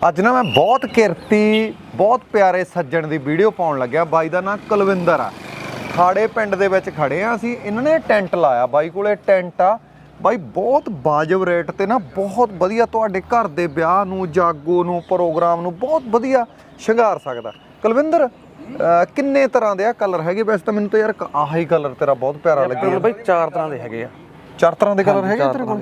ਅੱਜ ਨਾ ਮੈਂ ਬਹੁਤ ਕਿਰਤੀ ਬਹੁਤ ਪਿਆਰੇ ਸੱਜਣ ਦੀ ਵੀਡੀਓ ਪਾਉਣ ਲੱਗਿਆ। ਬਾਈ ਦਾ ਨਾਂ ਕੁਲਵਿੰਦਰ ਆ। ਖਾੜੇ ਪਿੰਡ ਦੇ ਵਿੱਚ ਖੜੇ ਆ ਅਸੀਂ। ਇਹਨਾਂ ਨੇ ਟੈਂਟ ਲਾਇਆ, ਬਾਈ ਕੋਲੇ ਟੈਂਟ ਆ ਬਾਈ, ਬਹੁਤ ਵਾਜਬ ਰੇਟ ਤੇ ਨਾ ਬਹੁਤ ਵਧੀਆ ਤੁਹਾਡੇ ਘਰ ਦੇ ਵਿਆਹ ਨੂੰ, ਜਾਗੋ ਨੂੰ, ਪ੍ਰੋਗਰਾਮ ਨੂੰ ਬਹੁਤ ਵਧੀਆ ਸ਼ਿੰਗਾਰ ਸਕਦਾ। ਕੁਲਵਿੰਦਰ ਕਿੰਨੇ ਤਰ੍ਹਾਂ ਦੇ ਆ ਕਲਰ ਹੈਗੇ? ਵੈਸੇ ਤਾਂ ਮੈਨੂੰ ਤਾਂ ਯਾਰ ਆਹੀ ਕਲਰ ਤੇਰਾ ਬਹੁਤ ਪਿਆਰਾ ਲੱਗਿਆ ਬਾਈ। 4 ਤਰ੍ਹਾਂ ਦੇ ਹੈਗੇ ਆ। 4 ਤਰ੍ਹਾਂ ਦੇ ਕਲਰ ਹੈਗੇ ਤੇਰੇ ਕੋਲ?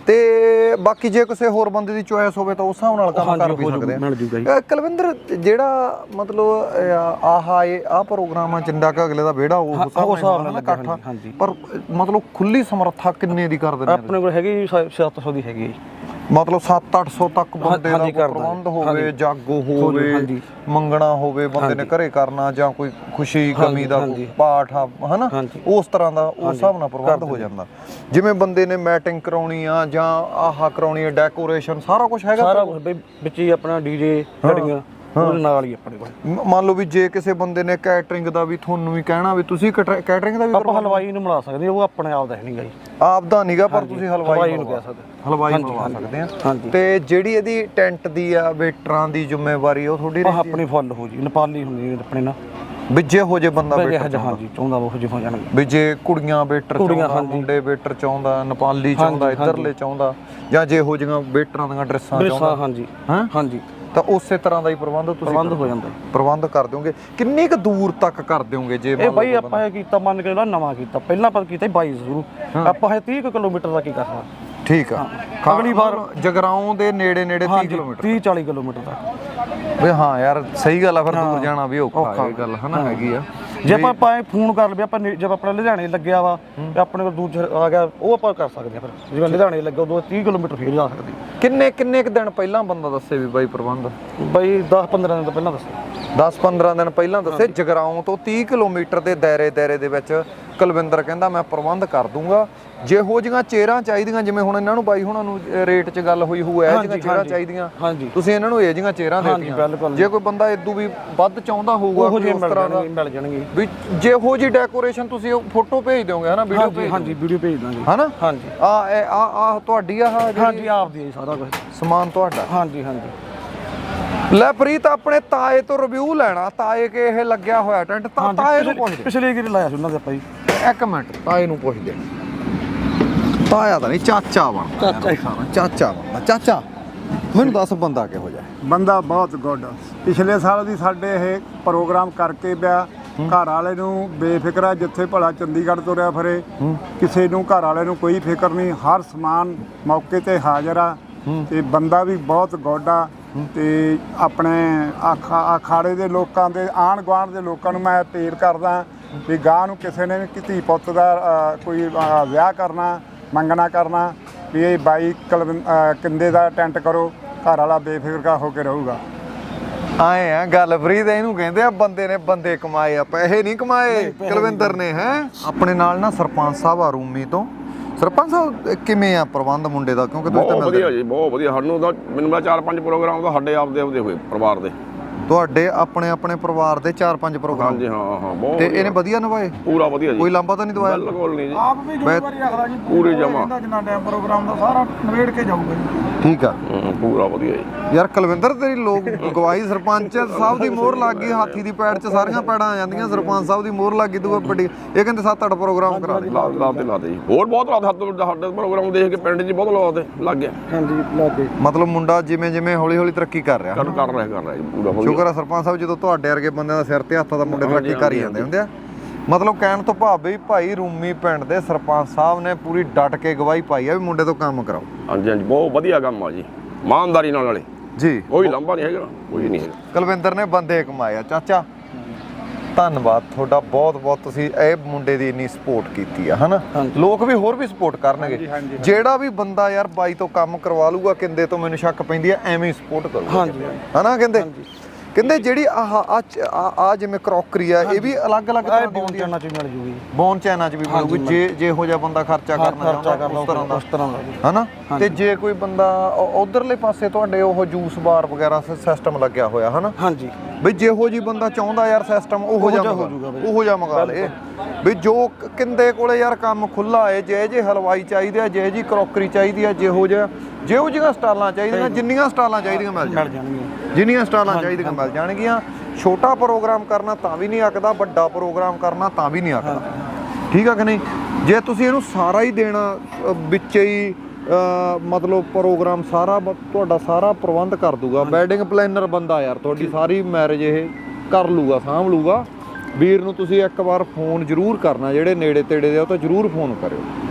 ਤੇ ਬਾਕੀ ਜੇ ਕਿਸੇ ਹੋਰ ਬੰਦੇ ਦੀ ਚੋਇਸ ਹੋਵੇ ਤਾਂ ਉਸ ਹਿਸਾਬ ਨਾਲ ਕੰਮ ਕਰ ਵੀ ਸਕਦੇ ਆ। ਕੁਲਵਿੰਦਰ ਜਿਹੜਾ ਮਤਲਬ ਆਹ ਪ੍ਰੋਗਰਾਮ ਆ ਚਿੰਡਾ ਕ ਅਗਲੇ ਦਾ ਵਿਹੜਾ ਉਹ ਹਿਸਾਬ ਨਾਲ ਇਕੱਠਾ, ਪਰ ਮਤਲਬ ਖੁੱਲੀ ਸਮਰੱਥਾ ਕਿੰਨੇ ਦੀ ਕਰ ਦਿੰਦੇ? ਆਪਣੇ ਕੋਲ ਹੈਗੀ 700 ਦੀ ਹੈਗੀ, ਮਤਲਬ 700-800 ਤੱਕ ਬੰਦੇ ਦਾ ਪ੍ਰਬੰਧ ਹੋਵੇ, ਜਾਗੋ ਹੋਵੇ, ਮੰਗਣਾ ਹੋਵੇ, ਬੰਦੇ ਨੇ ਘਰੇ ਕਰਨਾ ਜਾਂ ਕੋਈ ਖੁਸ਼ੀ ਗਮੀ ਦਾ ਪਾਠ ਆ ਹਨਾ, ਉਸ ਤਰ੍ਹਾਂ ਦਾ ਉਸ ਹਿਸਾਬ ਨਾਲ ਪ੍ਰਬੰਧ ਹੋ ਜਾਂਦਾ। ਜਿਵੇਂ ਬੰਦੇ ਨੇ ਮੈਟਿੰਗ ਕਰਾਉਣੀ ਆ ਜਾਂ ਆਹ ਕਰਾਉਣੀ ਆ, ਡੈਕੋਰੇਸ਼ਨ ਸਾਰਾ ਕੁਝ ਹੈਗਾ, ਸਾਰਾ ਕੁਝ ਵਿੱਚ ਹੀ ਆਪਣਾ ਡੀਜੇ ਘੜੀਆਂ ਉਹਦੇ ਨਾਲ ਹੀ ਆਪਣੇ ਕੋਲ। ਮੰਨ ਲਓ ਵੀ ਜੇ ਕਿਸੇ ਬੰਦੇ ਨੇ ਕੈਟਰਿੰਗ ਦਾ ਵੀ ਤੁਹਾਨੂੰ ਵੀ ਕਹਿਣਾ ਵੀ ਤੁਸੀਂ ਕੈਟਰਿੰਗ ਦਾ ਵੀ ਆਪਾਂ ਹਲਵਾਈ ਨੂੰ ਮਿਲਾ ਸਕਦੇ, ਉਹ ਆਪਣੇ ਆਪ ਦਾ ਨਹੀਂਗਾ ਜੀ, ਆਪ ਦਾ ਨਹੀਂਗਾ, ਪਰ ਤੁਸੀਂ ਹਲਵਾਈ ਨੂੰ ਕਹਿ ਸਕਦੇ, ਹਲਵਾਈ ਮਿਲਵਾ ਸਕਦੇ ਆ। ਤੇ ਜਿਹੜੀ ਇਹਦੀ ਟੈਂਟ ਦੀ ਆ ਵੇਟਰਾਂ ਦੀ ਜ਼ਿੰਮੇਵਾਰੀ ਉਹ ਤੁਹਾਡੀ ਆਪਣੀ ਫੁੱਲ ਹੋ ਜੀ, ਨੇਪਾਲੀ ਹੁੰਦੀ ਆਪਣੇ ਨਾਲ ਵਿੱਜੇ ਹੋ ਜੇ ਬੰਦਾ ਹਾਂਜੀ ਚਾਹੁੰਦਾ ਉਹ ਜਿਹੇ ਹੋ ਜਾਣਗੇ। ਵੀ ਜੇ ਕੁੜੀਆਂ ਵੇਟਰ ਚਾਹੁੰਦਾ, ਮੁੰਡੇ ਵੇਟਰ ਚਾਹੁੰਦਾ, ਨੇਪਾਲੀ ਚਾਹੁੰਦਾ, ਇੱਧਰਲੇ ਚਾਹੁੰਦਾ, ਜਾਂ ਜੇ ਹੋ ਜਿਹੀਆਂ ਵੇਟਰਾਂ ਦੀਆਂ ਡਰੈਸਾਂ ਚਾਹੁੰਦਾ, ਹਾਂਜੀ ਹਾਂਜੀ, ਤਾਂ ਉਸੇ ਤਰ੍ਹਾਂ ਦਾ ਹੀ ਪ੍ਰਬੰਧ ਤੁਸੀਂ ਹੋ ਜਾਂਦਾ, ਪ੍ਰਬੰਧ ਕਰ ਦਿਓਗੇ। ਕਿੰਨੀ ਕੁ ਦੂਰ ਤੱਕ ਕਰ ਦਿਓਗੇ? ਜੇ ਇਹ ਬਾਈ ਆਪਾਂ ਇਹ ਕੀਤਾ, ਮੰਨ ਕੇ ਨਵਾਂ ਕੀਤਾ, ਪਹਿਲਾਂ ਆਪਾਂ ਕੀਤਾ 22 ਸ਼ੁਰੂ, ਆਪਾਂ ਇਹ 30 ਕਿਲੋਮੀਟਰ ਦਾ ਕੀ ਕਰਨਾ। ਠੀਕ ਆ, ਅਗਲੀ ਵਾਰ ਜਗਰਾਉਂ ਦੇ ਨੇੜੇ 30 ਕਿਲੋਮੀਟਰ 30-40 ਕਿਲੋਮੀਟਰ ਤੱਕ ਵੀ। ਹਾਂ ਯਾਰ ਸਹੀ ਗੱਲ ਆ, ਫਿਰ ਦੂਰ ਜਾਣਾ ਵੀ ਔਖਾ ਇਹ ਗੱਲ ਹਨਾ ਹੈਗੀ ਆ। ਜੇ ਆਪਾਂ ਫੋਨ ਕਰ ਲਵੇ, ਆਪਾਂ ਜਦ ਆਪਣਾ ਲੁਧਿਆਣੇ ਲੱਗਿਆ ਵਾ ਤੇ ਆਪਣੇ ਕੋਲ ਦੂਜਾ ਆ ਗਿਆ, ਉਹ ਆਪਾਂ ਕਰ ਸਕਦੇ ਆ। ਫਿਰ ਜਿਵੇਂ ਲੁਧਿਆਣੇ ਲੱਗਾ ਉਦੋਂ 30 ਕਿਲੋਮੀਟਰ ਫੇਰ ਜਾ ਸਕਦੇ। ਕਿੰਨੇ ਕੁ ਦਿਨ ਪਹਿਲਾਂ ਬੰਦਾ ਦੱਸੇ ਵੀ ਬਾਈ ਪ੍ਰਬੰਧ? ਬਾਈ 10-15 ਦਿਨ ਤੋਂ ਪਹਿਲਾਂ ਦੱਸੇ। 10-15 ਦਿਨ ਪਹਿਲਾਂ ਦੱਸੇ। ਜਗਰਾਉਂ ਤੋਂ 30 ਕਿਲੋਮੀਟਰ ਦੇ ਦਾਇਰੇ ਦੇ ਵਿੱਚ ਕੁਲਵਿੰਦਰ ਕਹਿੰਦਾ ਮੈਂ ਪ੍ਰਬੰਧ ਕਰ ਦੂੰਗਾ। ਜੇ ਹੋ ਜਿਹੀਆਂ ਚੇਅਰਾਂ ਚਾਹੀਦੀਆਂ, ਜਿਵੇਂ ਹੁਣ ਇਹਨਾਂ ਨੂੰ ਬਾਈ ਹੁਣਾਂ ਨੂੰ ਰੇਟ 'ਚ ਗੱਲ ਹੋਈ ਹੋਊ, ਇਹ ਜਿਹੀਆਂ ਚੇਅਰਾਂ ਚਾਹੀਦੀਆਂ, ਤੁਸੀਂ ਇਹਨਾਂ ਨੂੰ ਇਹ ਜਿਹੀਆਂ ਚੇਅਰਾਂ ਦੇ ਦਿੱਤੀਆਂ। ਜੇ ਕੋਈ ਬੰਦਾ ਇਦੋਂ ਵੀ ਵੱਧ ਚਾਹੁੰਦਾ ਹੋਊਗਾ ਉਸ ਤਰ੍ਹਾਂ ਦਾ ਮਿਲ ਜਾਣਗੇ ਵੀ। ਜੇ ਹੋ ਜੀ ਡੈਕੋਰੇਸ਼ਨ ਤੁਸੀਂ ਫੋਟੋ ਭੇਜ ਦਿਓਗੇ ਹਨਾ, ਵੀਡੀਓ ਭੇਜ? ਹਾਂਜੀ ਵੀਡੀਓ ਭੇਜ ਦਾਂਗੇ ਹਨਾ। ਹਾਂਜੀ ਆ ਤੁਹਾਡੀ ਆ? ਹਾਂਜੀ ਆਪ ਦੀ ਸਾਰਾ ਕੁਝ ਸਮਾਨ ਤੁਹਾਡਾ? ਹਾਂਜੀ ਹਾਂਜੀ। ਲੈ ਪ੍ਰੀਤ, ਆਪਣੇ ਤਾਏ ਤੋਂ ਰਿਵਿਊ ਲੈਣਾ। ਤਾਏ ਕੇ ਇਹ ਲੱਗਿਆ ਹੋਇਆ ਟੈਂਟ, ਤਾਏ ਨੂੰ ਪੁੱਛਦੇ। ਪਿਛਲੇ ਗੇੜੇ ਲਾਇਆ ਸੀ ਉਹਨਾਂ ਦੇ ਆਪਾਂ ਜੀ। ਇੱਕ ਮਿੰਟ, ਤਾਏ ਨੂੰ ਪੁੱਛਦੇ। ਤਾਇਆ ਤਾਂ ਨਹੀਂ, ਚਾਚਾ ਬਣਦਾ। ਚਾਚਾ ਬਣਦਾ। ਚਾਚਾ ਮੈਨੂੰ ਦੱਸ, ਬੰਦਾ ਕਿਹੋ ਜਿਹਾ? ਬੰਦਾ ਬਹੁਤ ਗੁੱਡ। ਪਿਛਲੇ ਸਾਲ ਵੀ ਸਾਡੇ ਇਹ ਪ੍ਰੋਗਰਾਮ ਕਰਕੇ ਪਿਆ। ਘਰ ਵਾਲੇ ਨੂੰ ਬੇਫਿਕਰਾ, ਜਿੱਥੇ ਭਲਾ ਚੰਡੀਗੜ੍ਹ ਤੁਰਿਆ ਫਿਰੇ, ਕਿਸੇ ਨੂੰ ਘਰ ਵਾਲੇ ਨੂੰ ਕੋਈ ਫਿਕਰ ਨਹੀਂ, ਹਰ ਸਮਾਨ ਮੌਕੇ ਤੇ ਹਾਜ਼ਰ ਆ। ਤੇ ਬੰਦਾ ਵੀ ਬਹੁਤ ਗੁੱਡ ਆ। ਤੇ ਆਪਣੇ ਅਖਾੜੇ ਦੇ ਲੋਕਾਂ ਦੇ, ਆਂਢ ਗੁਆਂਢ ਦੇ ਲੋਕਾਂ ਨੂੰ ਮੈਂ ਅਪੀਲ ਕਰਦਾ ਵੀ ਗਾਂ ਨੂੰ ਕਿਸੇ ਨੇ ਵੀ ਧੀ ਪੁੱਤ ਦਾ ਕੋਈ ਵਿਆਹ ਕਰਨਾ, ਮੰਗਣਾ ਕਰਨਾ, ਵੀ ਇਹ ਬਾਈ ਕਿੰਦੇ ਦਾ ਟੈਂਟ ਕਰੋ, ਘਰ ਵਾਲਾ ਬੇਫਿਕਰ ਹੋ ਕੇ ਰਹੂਗਾ। ਆਏ ਆ ਗੱਲ ਪ੍ਰੀਤ, ਇਹਨੂੰ ਕਹਿੰਦੇ ਆ ਬੰਦੇ ਨੇ ਬੰਦੇ ਕਮਾਏ ਆ, ਪੈਸੇ ਨਹੀਂ ਕਮਾਏ ਕੁਲਵਿੰਦਰ ਨੇ। ਹੈ ਆਪਣੇ ਨਾਲ ਨਾ ਸਰਪੰਚ ਸਾਹਿਬ ਆ ਰੂਮੀ ਤੋਂ। ਸਰਪੰਚ ਸਾਹਿਬ ਕਿਵੇਂ ਆ ਪ੍ਰਬੰਧ ਮੁੰਡੇ ਦਾ? ਕਿਉਂਕਿ ਤੁਸੀਂ ਤਾਂ ਵਧੀਆ ਜੀ, ਬਹੁਤ ਵਧੀਆ। ਸਾਨੂੰ ਤਾਂ ਮੈਨੂੰ 4-5 ਪ੍ਰੋਗਰਾਮ ਤਾਂ ਸਾਡੇ ਆਪਦੇ ਹੋਏ ਪਰਿਵਾਰ ਦੇ। ਤੁਹਾਡੇ ਆਪਣੇ ਪਰਿਵਾਰ ਦੇ 4-5 ਪ੍ਰੋਗਰਾਮ? ਹਾਂਜੀ ਹਾਂ ਬਹੁਤ। ਤੇ ਇਹਨੇ ਵਧੀਆ ਨਿਭਾਏ? ਪੂਰਾ ਵਧੀਆ ਜੀ, ਕੋਈ ਲਾਂਭਾ ਤਾਂ ਨਹੀਂ ਦਵਾਇਆ? ਬਿਲਕੁਲ ਨਹੀਂ ਜੀ, ਆਪ ਵੀ ਜ਼ਿੰਮੇਵਾਰੀ ਰੱਖਦਾ ਜੀ ਪੂਰੇ ਜਮਾ। ਜਿੰਨਾ ਟਾਈਮ ਪ੍ਰੋਗਰਾਮ ਦਾ ਸਾਰਾ ਨਵੇੜ ਕੇ ਜਾਊਗਾ ਜੀ। ਠੀਕ ਆ, ਪੂਰਾ ਵਧੀਆ ਜੀ। ਯਾਰ ਕੁਲਵਿੰਦਰ ਤੇਰੀ ਲੋਕ ਗਵਾਹੀ ਸਰਪੰਚ ਸਾਹਿਬ ਦੀ ਮੋਹਰ ਲੱਗ ਗਈ, ਹਾਥੀ ਦੀ ਪੈੜ 'ਚ ਸਾਰੀਆਂ ਪੈੜਾਂ ਆ ਜਾਂਦੀਆਂ, ਸਰਪੰਚ ਸਾਹਿਬ ਦੀ ਮੋਹਰ ਲੱਗ ਗਈ। ਦੂਆ ਵੱਡੀ ਇਹ ਕਹਿੰਦੇ 7-8 ਪ੍ਰੋਗਰਾਮ ਕਰਾ ਦੇ। ਲਾਤੇ ਜੀ, ਹੋਰ ਬਹੁਤ ਸਾਡੇ ਪ੍ਰੋਗਰਾਮ ਦੇਖ ਕੇ ਪਿੰਡ 'ਚ ਬਹੁਤ ਲਾਤੇ ਲੱਗ ਗਿਆ। ਹਾਂਜੀ ਲੱਗੇ। ਮਤਲਬ ਮੁੰਡਾ ਜਿਵੇਂ ਹੌਲੀ ਤਰੱਕੀ ਕਰ ਰਿਹਾ ਕਰ ਰਿਹਾ ਜੀ, ਪੂਰਾ ਵਧੀਆ। ਸ਼ੁਕਰ ਆ ਸਰਪੰਚ ਸਾਹਿਬ, ਜਦੋਂ ਤੁਹਾਡੇ ਵਰਗੇ ਬੰਦਿਆਂ ਦਾ ਸਿਰ ਤੇ ਹੱਥਾਂ ਦਾ ਮੁੰਡੇ ਤਰੱਕੀ ਕਰ ਹੀ ਜਾਂਦੇ ਹੁੰਦੇ ਆ। ਮਤਲਬ ਕਹਿਣ ਤੋਂ ਭਾਵ ਵੀ ਭਾਈ ਰੂਮੀ ਪਿੰਡ ਦੇ ਸਰਪੰਚ ਸਾਹਿਬ ਨੇ ਪੂਰੀ ਡਟ ਕੇ ਗਵਾਹੀ ਪਾਈ ਆ ਵੀ ਮੁੰਡੇ ਤੋਂ ਕੰਮ ਕਰਾਓ। ਹਾਂਜੀ ਬਹੁਤ ਵਧੀਆ ਕੰਮ ਆ ਜੀ, ਇਮਾਨਦਾਰੀ ਨਾਲ ਵਾਲੇ ਜੀ, ਕੋਈ ਲਾਂਭਾ ਨਹੀਂ ਹੈਗਾ, ਕੋਈ ਨਹੀਂ ਹੈਗਾ। ਕੁਲਵਿੰਦਰ ਨੇ ਬੰਦੇ ਕਮਾਏ ਆ। ਚਾਚਾ ਧੰਨਵਾਦ ਤੁਹਾਡਾ ਬਹੁਤ। ਤੁਸੀਂ ਇਹ ਮੁੰਡੇ ਦੀ ਇੰਨੀ ਸਪੋਰਟ ਕੀਤੀ ਆ ਹਨਾ, ਲੋਕ ਵੀ ਹੋਰ ਵੀ ਸਪੋਰਟ ਕਰਨਗੇ। ਜਿਹੜਾ ਵੀ ਬੰਦਾ ਯਾਰ ਬਾਈ ਤੋਂ ਕੰਮ ਕਰਵਾ ਲੂਗਾ ਕਿੰਦੇ ਤੋਂ, ਮੈਨੂੰ ਸ਼ੱਕ ਪੈਂਦੀ ਆ ਐਵੇਂ ਹੀ ਸਪੋਰਟ ਕਰੂਗਾ ਹਨਾ। ਕਹਿੰਦੇ ਜਿਹੜੀ ਆ ਜਿਵੇਂ ਕਰੋਕਰੀ ਆ, ਇਹ ਵੀ ਅਲੱਗ-ਅਲੱਗ ਤਰ੍ਹਾਂ ਦੀ ਹੁੰਦੀ ਆ। ਚ ਮਿਲ ਜੂਗੀ, ਬੌਨ ਚੈਨਾ 'ਚ ਵੀ ਮਿਲੂਗੀ, ਜੇ ਇਹੋ ਜਿਹਾ ਬੰਦਾ ਖਰਚਾ ਕਰਨਾ ਚਾਹੁੰਦਾ ਉਸ ਤਰ੍ਹਾਂ ਦਾ ਹਨਾ। ਤੇ ਜੇ ਕੋਈ ਬੰਦਾ ਉਧਰਲੇ ਪਾਸੇ ਤੁਹਾਡੇ ਉਹ ਜੂਸ ਬਾਰ ਵਗੈਰਾ ਸਿਸਟਮ ਲੱਗਿਆ ਹੋਇਆ ਹਨਾ। ਹਾਂਜੀ, ਬਈ ਜਿਹੋ ਜੀ ਬੰਦਾ ਚਾਹੁੰਦਾ ਯਾਰ ਸਿਸਟਮ ਉਹੋ ਜਿਹਾ ਹੋ ਜਾਊਗਾ ਬਈ। ਉਹੋ ਜਿਹਾ ਮੰਗਾ ਲੇ ਵੀ ਜੋ ਕਿੰਦੇ ਕੋਲੇ ਯਾਰ ਕੰਮ ਖੁੱਲਾ ਏ ਜੇ ਹਲਵਾਈ ਚਾਹੀਦੇ ਆ ਜੇ ਜੀ ਕਰੋਕਰੀ ਚਾਹੀਦੀ ਆ ਜਿਹੋ ਜਿਹੀਆਂ ਸਟਾਲਾਂ ਚਾਹੀਦੀਆਂ ਜਿੰਨੀਆਂ ਸਟਾਲਾਂ ਚਾਹੀਦੀਆਂ ਮਿਲ ਜਾਣਗੀਆਂ ਜਿੰਨੀਆਂ ਸਟਾਲਾਂ ਚਾਹੀਦੀਆਂ ਮਿਲ ਜਾਣਗੀਆਂ। ਛੋਟਾ ਪ੍ਰੋਗਰਾਮ ਕਰਨਾ ਤਾਂ ਵੀ ਨਹੀਂ ਆਖਦਾ, ਵੱਡਾ ਪ੍ਰੋਗਰਾਮ ਕਰਨਾ ਤਾਂ ਵੀ ਨਹੀਂ ਆਖਦਾ, ਠੀਕ ਆ ਕਿ ਨਹੀਂ। ਜੇ ਤੁਸੀਂ ਇਹਨੂੰ ਸਾਰਾ ਹੀ ਦੇਣਾ ਵਿੱਚ ਹੀ ਮਤਲਬ ਪ੍ਰੋਗਰਾਮ ਸਾਰਾ ਤੁਹਾਡਾ ਸਾਰਾ ਪ੍ਰਬੰਧ ਕਰ ਦੂਗਾ, ਵੈਡਿੰਗ ਪਲੈਨਰ ਬੰਦਾ ਯਾਰ ਤੁਹਾਡੀ ਸਾਰੀ ਮੈਰਿਜ ਇਹ ਕਰ ਲੂਗਾ, ਸਾਂਭ ਲੂਗਾ। ਵੀਰ ਨੂੰ ਤੁਸੀਂ ਇੱਕ ਵਾਰ ਫੋਨ ਜ਼ਰੂਰ ਕਰਨਾ, ਜਿਹੜੇ ਨੇੜੇ ਤੇੜੇ ਦੇ ਉਹ ਤਾਂ ਜ਼ਰੂਰ ਫੋਨ ਕਰਿਓ।